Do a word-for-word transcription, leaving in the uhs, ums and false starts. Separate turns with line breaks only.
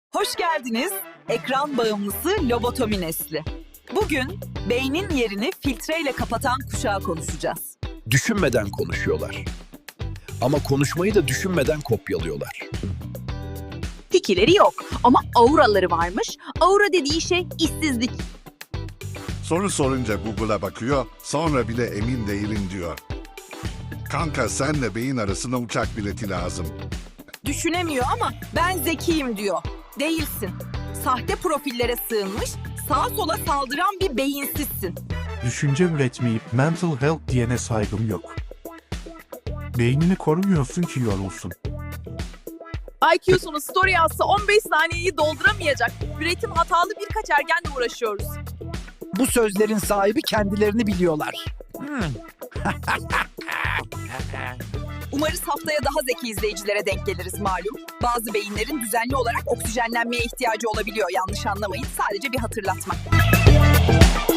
Hoş geldiniz. Ekran bağımlısı lobotomi nesli. Bugün beynin yerini filtreyle kapatan kuşağı konuşacağız.
Düşünmeden konuşuyorlar. Ama konuşmayı da düşünmeden kopyalıyorlar.
Fikirleri yok ama auraları varmış. Aura dediği şey işsizlik.
Soru sorunca Google'a bakıyor, sonra bile emin değilim diyor. Kanka senle beyin arasına uçak bileti lazım.
Düşünemiyor ama ben zekiyim diyor. Değilsin. Sahte profillere sığınmış, sağa sola saldıran bir beyinsizsin.
Düşünce üretmeyip mental health diyene saygım yok. Beynini korumuyorsun ki yorulsun.
I Q'sunu story yazsa on beş saniyeyi dolduramayacak. Üretim hatalı birkaç ergenle uğraşıyoruz.
Bu sözlerin sahibi kendilerini biliyorlar.
Umarız haftaya daha zeki izleyicilere denk geliriz malum. Bazı beyinlerin düzenli olarak oksijenlenmeye ihtiyacı olabiliyor, yanlış anlamayın. Sadece bir hatırlatma.